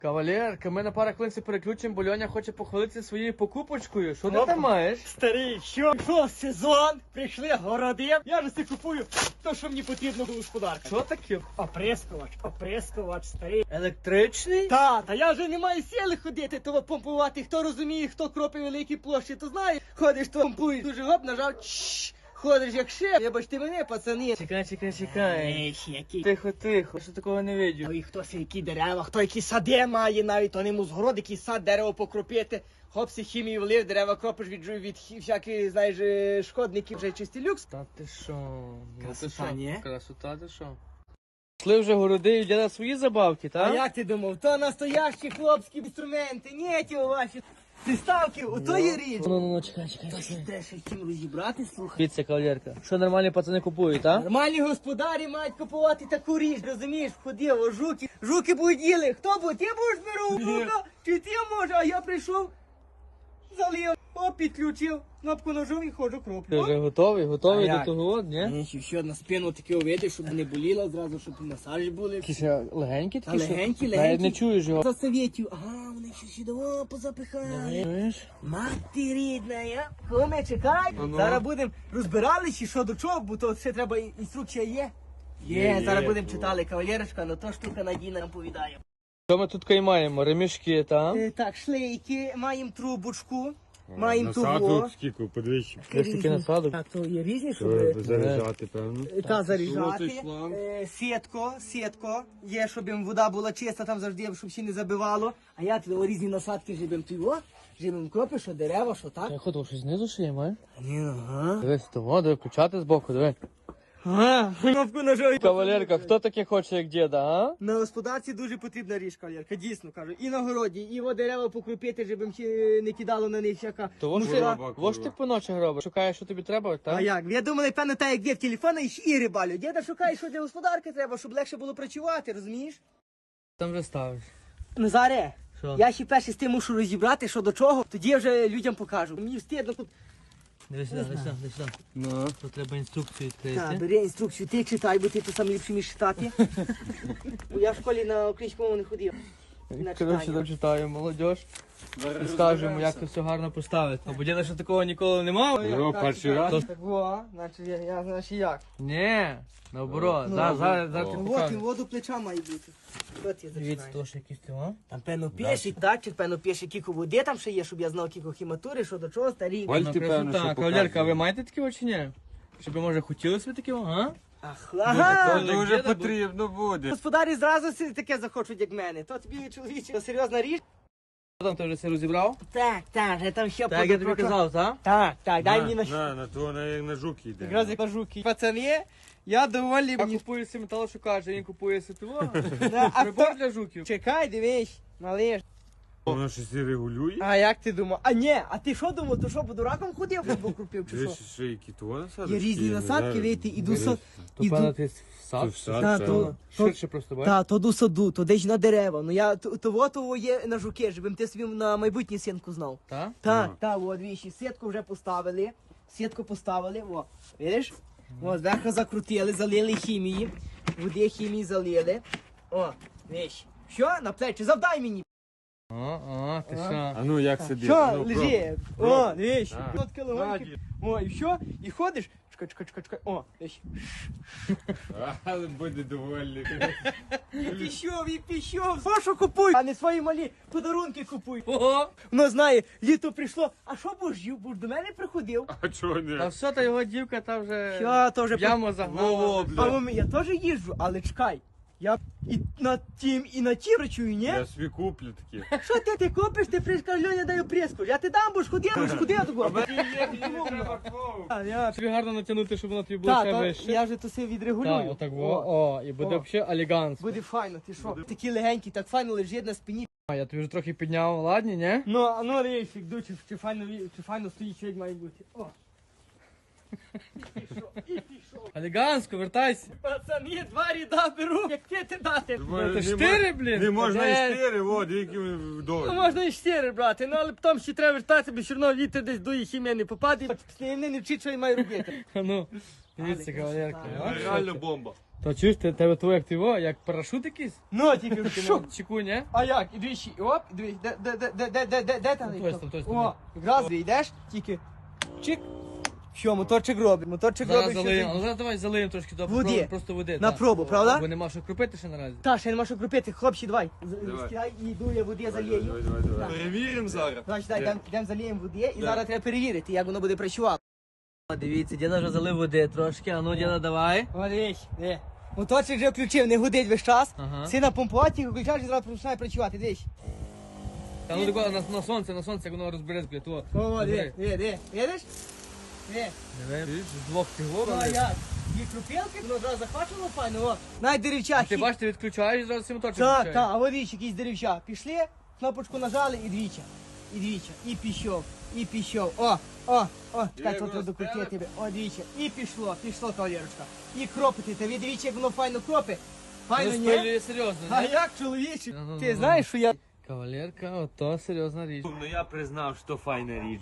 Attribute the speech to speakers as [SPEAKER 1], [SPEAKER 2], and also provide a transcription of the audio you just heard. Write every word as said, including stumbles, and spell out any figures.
[SPEAKER 1] Кавалерка, ми на пару хвилин переключимо, бо Льоня хоче похвалитися своєю покупочкою. Що ти там маєш?
[SPEAKER 2] Старий, що? Що, сезон? Прийшли городи. Я ж си купую то, що мені потрібно до господарка.
[SPEAKER 1] Що таке?
[SPEAKER 2] Оприскувач, оприскувач, старий.
[SPEAKER 1] Електричний?
[SPEAKER 2] Та, та я вже не маю сили ходити, того помпувати. Хто розуміє, хто кропить великі площі, то знає. Ходиш, то помпуєш. Дуже гоп, нажав, чш. Ходиш як шеф, вибачте мене, пацани.
[SPEAKER 1] Чекай, чекай, чекай.
[SPEAKER 2] Ей, який.
[SPEAKER 1] Тихо, тихо, я ще такого не видів.
[SPEAKER 2] Ой, хтось які дерева, хто які сади має навіть, то нему згород, який сад, дерево покропити. Хопсі хімію влив, дерева кропиш від, від всяких, знаєш, е, шкодників, вже чистий люкс.
[SPEAKER 1] Та ти що? Ну,
[SPEAKER 2] Красота,
[SPEAKER 1] ти що?
[SPEAKER 2] ні?
[SPEAKER 1] Красота, ти що? Пішли вже городи і діда свої забавки,
[SPEAKER 2] А
[SPEAKER 1] так?
[SPEAKER 2] як ти думав, то настоящі хлопські інструменти, ні ті ваші приставки, ото є річ.
[SPEAKER 1] Ну, ну, ну, чекай, чекай,
[SPEAKER 2] Та ще
[SPEAKER 1] чекай.
[SPEAKER 2] треба ще чим розібрати, слухай.
[SPEAKER 1] Дивіться, кавалерка. Що нормальні пацани купують, так?
[SPEAKER 2] Нормальні господарі мають купувати таку річ, розумієш, ходив, жуки, жуки будуть їли. Хто буде? Ти будеш беру жука? Чи ти може? А я прийшов, залив, оп, підключив, кнопку нажав і ходжу
[SPEAKER 1] Ти
[SPEAKER 2] кроплю.
[SPEAKER 1] вже готовий, готовий
[SPEAKER 2] А
[SPEAKER 1] до
[SPEAKER 2] як?
[SPEAKER 1] того, от, ні?
[SPEAKER 2] Ні, ще- ще на спину таке уведе, щоб не боліло зразу, щоб масажі були.
[SPEAKER 1] Якісь е, легенькі
[SPEAKER 2] Та
[SPEAKER 1] такі, що
[SPEAKER 2] легенькі,
[SPEAKER 1] навіть
[SPEAKER 2] легенькі.
[SPEAKER 1] не чуєш його.
[SPEAKER 2] За совєтів. Ага, вони ще сюди о, позапихали.
[SPEAKER 1] Чуєш?
[SPEAKER 2] Мати рідна, я. Коме, чекай.
[SPEAKER 1] Ну-ну.
[SPEAKER 2] Зараз будемо розбирали, чи що до чого, бо то ще треба і- інструкція є. Є,
[SPEAKER 1] Є,
[SPEAKER 2] зараз
[SPEAKER 1] є.
[SPEAKER 2] будемо читали, кавалерочка, ну то штука надійна нам повідає.
[SPEAKER 1] Що ми тут кай маємо? Ремішки, так?
[SPEAKER 2] Е, так, шлейки, маємо трубочку, маємо того.
[SPEAKER 3] Насаду скільки, подивіться.
[SPEAKER 1] Ось такий насадок.
[SPEAKER 2] Так, то є різні, щоб
[SPEAKER 3] Треба заряджати, певно.
[SPEAKER 2] е, та заряджати.
[SPEAKER 3] Золотий шланг.
[SPEAKER 2] Е, Сітко, сітко, є, щоб їм вода була чиста, там завжди, щоб ще не забивало. А я туди різні насадки жибем туйо, жибем кропи, що дерева, що так.
[SPEAKER 1] Я ходив, щось знизу ще є, має?
[SPEAKER 2] Ні, ага.
[SPEAKER 1] Дивись, того, диви, включати збоку, диви.
[SPEAKER 2] Ага, кнопку нажав.
[SPEAKER 1] Кавалерка, хто таке хоче, як діда, а?
[SPEAKER 2] На господарці дуже потрібна річ, кавалерка, дійсно кажу. І на городі, і во дерева покропити, щоб їм ще не кидало на них всяка
[SPEAKER 1] Того ж
[SPEAKER 2] мусора.
[SPEAKER 3] Курва,
[SPEAKER 1] во ж ти
[SPEAKER 3] курва.
[SPEAKER 1] по ночах робиш, шукаєш, що тобі треба,
[SPEAKER 2] А
[SPEAKER 1] так?
[SPEAKER 2] як? Я думала, певно, так як дід телефона і, і рибалю. Діда шукає, що для господарки треба, щоб легше було працювати, розумієш?
[SPEAKER 1] Там вже ставиш.
[SPEAKER 2] Назаре,
[SPEAKER 1] Що?
[SPEAKER 2] я ще перший з тим мушу розібрати, що до чого, тоді я вже людям покажу. Мені встидно тут.
[SPEAKER 1] Дивись сюди, дивись сюди, дивись сюди.
[SPEAKER 3] Ну.
[SPEAKER 1] Тут треба інструкцію
[SPEAKER 2] Так,
[SPEAKER 1] відкрити.
[SPEAKER 2] бери інструкцію, ти читай, бо ти то сам ліпше між читати. Бо я в школі на українському мову не ходив. На
[SPEAKER 1] Коротше,
[SPEAKER 2] читання.
[SPEAKER 1] дочитаю, молодь. І скажемо, як це все гарно поставити. Бо діда ще такого ніколи не мав.
[SPEAKER 3] Його перший раз.
[SPEAKER 2] Так, во, значить я, я значить як.
[SPEAKER 1] Ні, наоборот,
[SPEAKER 2] Ну,
[SPEAKER 1] зараз, зараз, зараз ти
[SPEAKER 2] Вот, і
[SPEAKER 1] покажеш.
[SPEAKER 2] воду плеча має бути. От я
[SPEAKER 1] Дивіться,
[SPEAKER 2] зачинаю.
[SPEAKER 1] то ж якісь ти, а?
[SPEAKER 2] Там певно пишуть, датчик, певно пише, кілько води там ще є, щоб я знав кілько хіматури, що до чого, старі.
[SPEAKER 3] Валь-
[SPEAKER 1] Ну,
[SPEAKER 3] ти, певно,
[SPEAKER 1] красота.
[SPEAKER 3] що
[SPEAKER 1] Кавалерка, а
[SPEAKER 3] показує.
[SPEAKER 1] ви маєте такі очі, ні? Щоб ви, може, хотіли собі такі, а?
[SPEAKER 2] Ах,
[SPEAKER 3] Це
[SPEAKER 2] ага.
[SPEAKER 1] Дуже
[SPEAKER 3] дуже
[SPEAKER 1] діда
[SPEAKER 3] потрібно буде.
[SPEAKER 2] Господарі зразу си- таке захочуть, як мене. То тобі, чоловіче, то серйозна річ?
[SPEAKER 1] Що там, ти вже все розібрав?
[SPEAKER 2] Так, так, вже там ще
[SPEAKER 1] Так, як я тобі
[SPEAKER 2] подопрочу.
[SPEAKER 1] казав, так?
[SPEAKER 2] Так, так, дай мені на
[SPEAKER 3] На, на то на, як на жуки йде.
[SPEAKER 2] якраз як на жуки. Пацани, я доволі
[SPEAKER 1] Я
[SPEAKER 2] мені.
[SPEAKER 1] купую собі металошукач, а він купує ситиво.
[SPEAKER 2] Да, а
[SPEAKER 1] Прибор
[SPEAKER 2] хто-
[SPEAKER 1] для жуків.
[SPEAKER 2] Чекай, дивись, малиш.
[SPEAKER 3] Воно щось і регулює.
[SPEAKER 2] А як ти думав? А ні, а ти що думав, то що, по дураком ходив, футбол купив чи що?
[SPEAKER 3] Дивись, що які то насадки.
[SPEAKER 2] Є різні
[SPEAKER 3] я не
[SPEAKER 2] насадки,
[SPEAKER 3] знаю.
[SPEAKER 2] видите, іду
[SPEAKER 3] Дивись.
[SPEAKER 2] со-
[SPEAKER 1] То
[SPEAKER 2] Іду-
[SPEAKER 1] певно ти в
[SPEAKER 3] То
[SPEAKER 1] сад.
[SPEAKER 3] в сад,
[SPEAKER 2] Та,
[SPEAKER 3] певно.
[SPEAKER 2] то- то-
[SPEAKER 1] Ширше просто, бачиш?
[SPEAKER 2] Та, то до саду, то десь на дерева. Ну я то- того того є на жуки, щоб ти собі на майбутнє сітку знав.
[SPEAKER 1] Так?
[SPEAKER 2] Так,
[SPEAKER 3] Ну.
[SPEAKER 2] так, от віші, сітку вже поставили, сітку поставили, о, видиш? О, зверху закрутили, залили хімії, води хімії залили. О, віж. Що? На плечі, завдай мені.
[SPEAKER 1] О, о, ти що?
[SPEAKER 3] А ну як сидить?
[SPEAKER 2] Що,
[SPEAKER 3] Ну,
[SPEAKER 2] лежи?
[SPEAKER 3] пробуй.
[SPEAKER 2] О, віж.
[SPEAKER 3] Так.
[SPEAKER 2] От кілогонки. О, і що? І ходиш? Чекай, чекай, чекай, чекай. О, віж.
[SPEAKER 3] Але буде довольний.
[SPEAKER 2] І пішов, і пішов. Що, що купуй? А не свої малі подарунки купуй.
[SPEAKER 1] Ого!
[SPEAKER 2] Ну, знає, літо прийшло. А що будеш їв? Будеш до мене приходив?
[SPEAKER 3] А чого
[SPEAKER 1] Та
[SPEAKER 3] не?
[SPEAKER 1] все, та його дівка та вже
[SPEAKER 2] Що, то вже
[SPEAKER 1] в яму
[SPEAKER 3] Во-во,
[SPEAKER 1] загнала.
[SPEAKER 3] бля.
[SPEAKER 2] А мамі, я теж їжджу, але чекай. Я і на тім, і на ті речую, ні?
[SPEAKER 3] Я собі куплю такі.
[SPEAKER 2] Що ти, ти купиш, ти прийшов, Льоня даю преску. Я ти дам, будеш ходити, будеш ходити. А, я...
[SPEAKER 1] Тобі гарно натягнути, щоб вона тобі була
[SPEAKER 2] Та,
[SPEAKER 1] ще
[SPEAKER 2] то,
[SPEAKER 1] вище.
[SPEAKER 2] я вже то все відрегулюю.
[SPEAKER 1] Так, отак, во, о, і буде
[SPEAKER 2] О.
[SPEAKER 1] взагалі елегантно.
[SPEAKER 2] Буде файно, ти що? Такі легенькі, так файно лежить на спині.
[SPEAKER 1] А, я тобі вже трохи підняв, ладні, ні?
[SPEAKER 2] Ну, а ну рейфік, ду, чи, чи, файно, ві- чи файно стоїть, що як має бути. О. І пішов, і пішов.
[SPEAKER 1] Елегантсько, вертайся.
[SPEAKER 2] Пацани, два ряда беру, як ти дати.
[SPEAKER 1] Це
[SPEAKER 3] Не
[SPEAKER 1] штири,
[SPEAKER 3] мо-
[SPEAKER 1] блін?
[SPEAKER 3] Не можна
[SPEAKER 2] Де?
[SPEAKER 3] і штири, о, які
[SPEAKER 2] Ну,
[SPEAKER 3] вдові.
[SPEAKER 2] можна і чотири брати, ну але потім ще треба вертатися, бо все одно вітер десь дує, хімія не попаде. Після не вчить, що я маю робити.
[SPEAKER 1] А ну, дивіться,
[SPEAKER 2] Але
[SPEAKER 1] кавалерка.
[SPEAKER 2] красота.
[SPEAKER 1] а?
[SPEAKER 3] Реально бомба.
[SPEAKER 1] То чуєш, ти тебе твоє як ти його, як парашут якийсь?
[SPEAKER 2] Ну, тільки
[SPEAKER 1] Ти
[SPEAKER 2] що?
[SPEAKER 1] на чеку, ні?
[SPEAKER 2] А як? І двічі, оп, і двічі, де, де, де, де, де, де, де, де там?
[SPEAKER 1] Ну, точно, точно.
[SPEAKER 2] О, якраз йдеш, тільки чик. Що, моторчик робить, моторчик
[SPEAKER 1] Зараз
[SPEAKER 2] робить. що
[SPEAKER 1] залиємо,
[SPEAKER 2] ти-
[SPEAKER 1] ну зараз давай залиємо трошки, то
[SPEAKER 2] Воді.
[SPEAKER 1] попробуємо просто води.
[SPEAKER 2] На
[SPEAKER 1] та.
[SPEAKER 2] пробу, правда?
[SPEAKER 1] Бо нема що крупити ще наразі.
[SPEAKER 2] Та, ще нема що крупити, хлопці, давай. З-
[SPEAKER 3] Давай.
[SPEAKER 2] Скидай і йду я води залію.
[SPEAKER 3] Давай, давай, давай.
[SPEAKER 2] Так.
[SPEAKER 3] Перевіримо зараз.
[SPEAKER 2] Значить, дай, йдемо йдем заліємо води і
[SPEAKER 3] Да.
[SPEAKER 2] зараз треба перевірити, як воно буде працювати.
[SPEAKER 1] О, дивіться, діда вже залив води трошки, а ну діда давай.
[SPEAKER 2] О, дивись, де. Моторчик вже включив, не гудить весь час.
[SPEAKER 1] Ага.
[SPEAKER 2] Си на помпувати, включаєш і зараз починає працювати, дивись.
[SPEAKER 1] Та ну тако на, на сонце, на сонце, як воно розбереться, то.
[SPEAKER 2] О,
[SPEAKER 1] розбери.
[SPEAKER 2] де, де, де, видиш? Де.
[SPEAKER 1] Диви, з двох цих
[SPEAKER 2] Ну, а
[SPEAKER 1] вобрали.
[SPEAKER 2] як? Є крупілки, воно зразу захвачувало файно, о. Навіть деревча.
[SPEAKER 1] Ти
[SPEAKER 2] хі-
[SPEAKER 1] бачиш, ти відключаєш і зразу всі моторчик
[SPEAKER 2] Так,
[SPEAKER 1] включаєш.
[SPEAKER 2] так, а от дивіться, якісь деревча. Пішли, кнопочку нажали і двічі. І двічі. І пішов, і пішов. О, о, о, чекай,
[SPEAKER 3] його
[SPEAKER 2] тут треба докрутити
[SPEAKER 3] спереду.
[SPEAKER 2] тебе. О, двічі. І пішло, пішло, кавалерочка. І кропити, та ви дивіться, як воно файно кропить. Файно, ні?
[SPEAKER 1] Розпилює серйозно,
[SPEAKER 2] А
[SPEAKER 1] ні?
[SPEAKER 2] як, чоловіче?
[SPEAKER 1] Ну, ну,
[SPEAKER 2] Ти
[SPEAKER 1] ну,
[SPEAKER 2] знаєш, що я...
[SPEAKER 1] Кавалерка, ото серйозна річ.
[SPEAKER 3] Ну я признав, що файна річ.